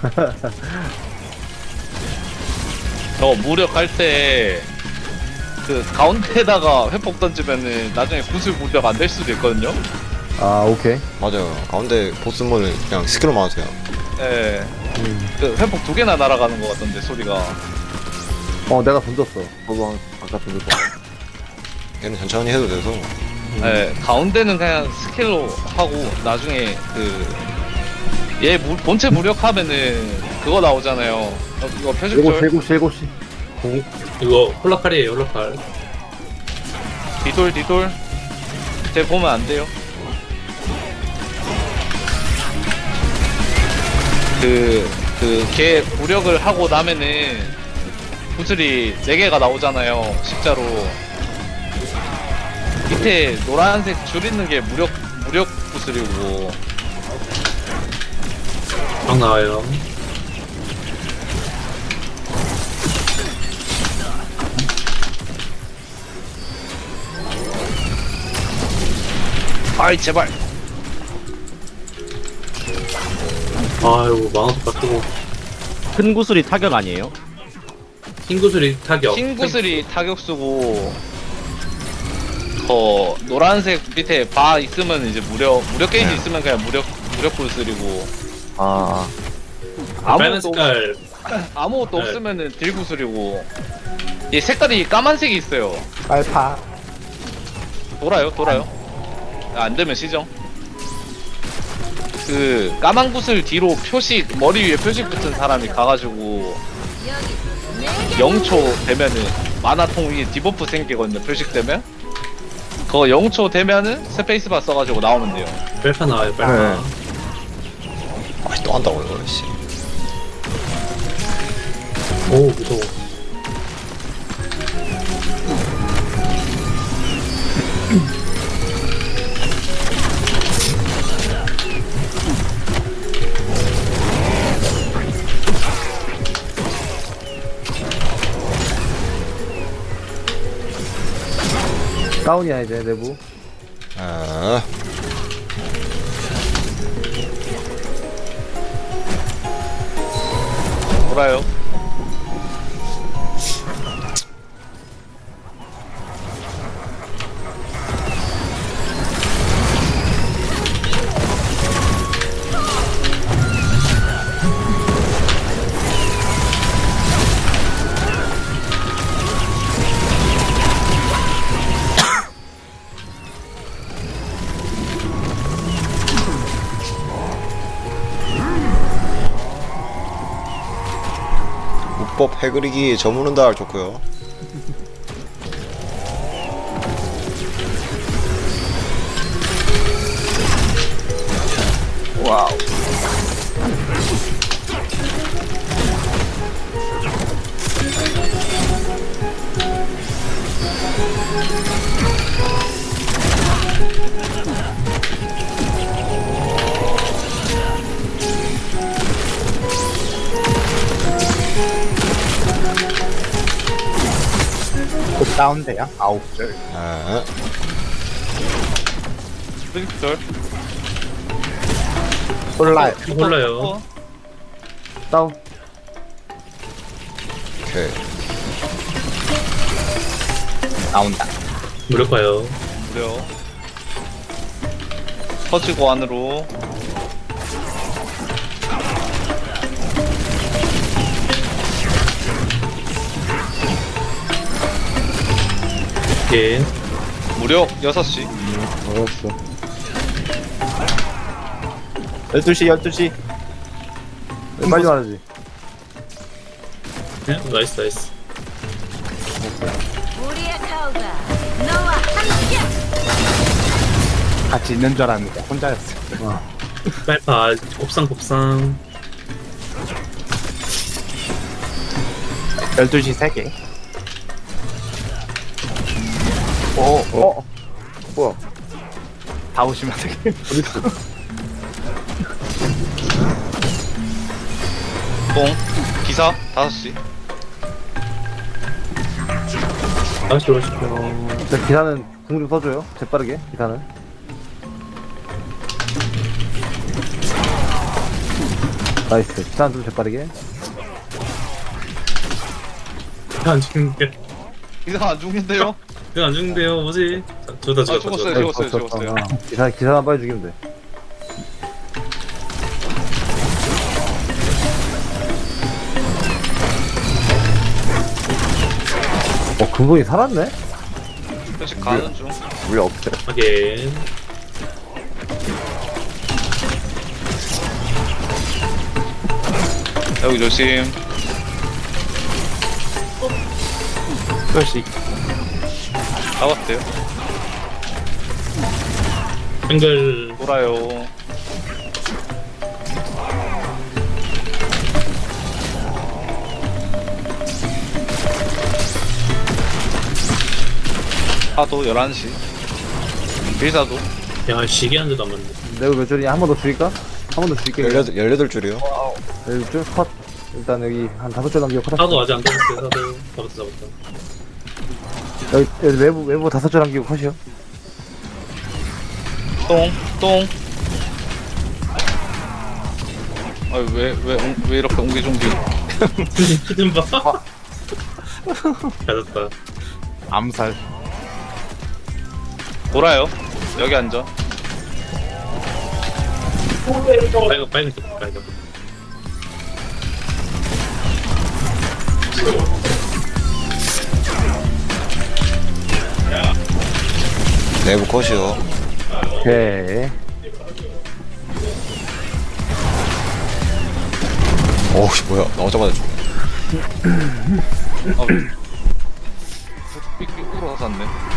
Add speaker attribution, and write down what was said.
Speaker 1: 저 무력할 때 그 가운데에다가 회복 던지면은 나중에 구슬 무력 안 될 수도 있거든요.
Speaker 2: 아 오케이.
Speaker 3: 맞아요. 가운데 보스물을 그냥 스킬로 막으세요.
Speaker 1: 예. 그 회복 2개나 날아가는 것 같던데 소리가.
Speaker 2: 내가 던졌어.
Speaker 4: 저도 아까 던졌고.
Speaker 3: 얘는 천천히 해도 돼서.
Speaker 1: 예. 가운데는 그냥 스킬로 하고 나중에 그 얘 본체 무력하면은 그거 나오잖아요. 이거 표식줄.
Speaker 2: 7시.
Speaker 5: 이거 홀라칼이에요, 홀라칼.
Speaker 1: 뒤돌. 쟤 보면 안 돼요. 걔 무력을 하고 나면은 구슬이 4개가 나오잖아요. 십자로. 밑에 노란색 줄 있는 게 무력 구슬이고.
Speaker 5: 막 나와요.
Speaker 1: 아이, 제발.
Speaker 5: 아이고, 망아도 깎고.
Speaker 6: 큰 구슬이 타격 아니에요?
Speaker 5: 흰 구슬이 타격.
Speaker 1: 흰 구슬이 타격 쓰고, 노란색 밑에 바 있으면 이제 무력 게이지 있으면 그냥 무력 구슬이고,
Speaker 4: 아,
Speaker 5: 빨간 색깔.
Speaker 1: 아무것도
Speaker 5: 네.
Speaker 1: 없으면은 딜 구슬이고, 이 색깔이 까만색이 있어요.
Speaker 2: 빨파.
Speaker 1: 돌아요. 안 되면 시정. 그 까만 구슬 뒤로 표식, 머리 위에 표식 붙은 사람이 가가지고 0초 되면은 만화통 위에 디버프 생기거든요. 표식 되면 그거 0초 되면은 스페이스바 써가지고 나오면 돼요.
Speaker 5: 빨파 나와요, 빨파.
Speaker 2: 네.
Speaker 3: 또 한다고 이거 씨.
Speaker 5: 오, 무서워.
Speaker 2: 다운이야 이제 내부.
Speaker 3: 아,
Speaker 1: 돌아요.
Speaker 3: 무법 해그리기 저무는 달 좋고요.
Speaker 1: 와우.
Speaker 2: 곧 다운돼요. 9줄.
Speaker 3: 아,
Speaker 1: 스프링클.
Speaker 2: 홀라요.
Speaker 5: 홀라요.
Speaker 2: 다운.
Speaker 3: 오케이.
Speaker 2: 나온다.
Speaker 5: 무력화요.
Speaker 1: 무려 터지고 안으로.
Speaker 5: 오케이.
Speaker 1: 무력 6시.
Speaker 4: 알았어. 12시.
Speaker 2: 빨리 말하지.
Speaker 5: 네, 나이스.
Speaker 7: 우리의 타오가 너와 함께.
Speaker 2: 같이 있는 줄 알았는데 혼자였어.
Speaker 5: 빨파, 곱상.
Speaker 2: 12시 3개. 뭐야? 다 오시면 되게.
Speaker 1: 똥. 기사 5시.
Speaker 5: 다시 오십시오.
Speaker 2: 기사는 궁 좀 써줘요. 재빠르게 기사는. 나이스. 시간 좀 재빠르게.
Speaker 5: 안 죽는데.
Speaker 1: 이상 안 죽는데요?
Speaker 5: 그안 죽는데요. 뭐지? 저다
Speaker 1: 아,
Speaker 5: 죽었다.
Speaker 1: 죽었어요.
Speaker 5: 죽었다.
Speaker 1: 죽었어요.
Speaker 2: 기사만 빨리 죽이면 돼. 근본이 살았네?
Speaker 1: 표식 가는 중.
Speaker 4: 우리 없대.
Speaker 5: 하긴.
Speaker 1: 여기 조심.
Speaker 2: 표식.
Speaker 1: 잡았대요.
Speaker 5: 한글
Speaker 1: 돌아요. 파도 11시. 빌사도.
Speaker 5: 야 시계 한 대도 안 맞네.
Speaker 2: 내가 몇 줄이냐? 한 번 더 줄일까? 한 번 더 줄게.
Speaker 3: 18줄이요.
Speaker 2: 여기 줄 컷. 일단 여기 한 5줄 남기고 컷.
Speaker 5: 사도 아직 안 잡았어요. 사도 잡았다.
Speaker 2: 여기 외부 5줄 남기고 컷이요.
Speaker 1: 똥. 왜 이렇게 옹기종기.
Speaker 5: 히든 봐. 가졌다.
Speaker 2: 암살.
Speaker 1: 돌아요. 여기 앉아.
Speaker 5: 빨간.
Speaker 3: 내부 컷이요.
Speaker 2: 오케이.
Speaker 3: 어우, 뭐야. 나오자마자 죽네.
Speaker 1: 삑삑 울어서 샀네.